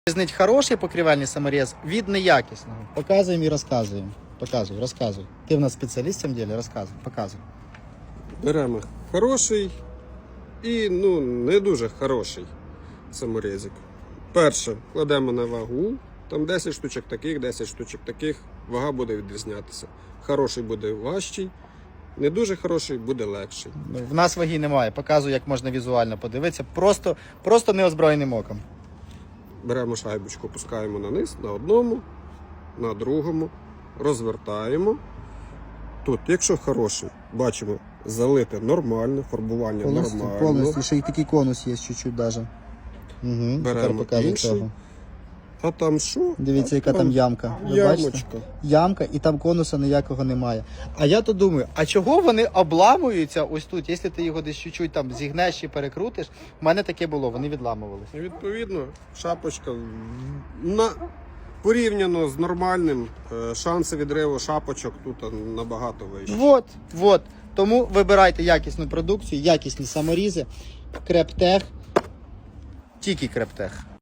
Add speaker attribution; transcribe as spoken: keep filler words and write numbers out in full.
Speaker 1: Різнить хороший покрівельний саморіз від неякісного. Показуємо і розказуємо. Показуй, розказуй. Ти в нас спеціаліст в цьому ділі, розказуй, показуй.
Speaker 2: Беремо хороший і ну, не дуже хороший саморізик. Перше, кладемо на вагу, там десять штучок таких, десять штучок таких, вага буде відрізнятися. Хороший буде важчий, не дуже хороший буде легший.
Speaker 1: В нас ваги немає, показую, як можна візуально подивитися, просто, просто неозброєним оком.
Speaker 2: Беремо шайбочку, пускаємо на низ, на одному, на другому, розвертаємо. Тут, якщо хороший, бачимо, залите нормально, фарбування
Speaker 1: Повністю,
Speaker 2: нормально.
Speaker 1: повністю, ще й такий конус є чуть-чуть навіть. Угу,
Speaker 2: Беремо інший. А там що?
Speaker 1: Дивіться,
Speaker 2: а
Speaker 1: яка там ямка. Ви
Speaker 2: ямочка.
Speaker 1: бачите? Ямка, і там конуса ніякого немає. А я то думаю, а чого вони обламуються ось тут? Якщо ти його десь чуть-чуть там зігнеш чи перекрутиш, в мене таке було, вони відламувалися.
Speaker 2: І відповідно, шапочка на... порівняно з нормальним, е, шанси відриву шапочок тут набагато вищі.
Speaker 1: Вот, вот. Тому вибирайте якісну продукцію, якісні саморізи, Крептех, тільки Крептех.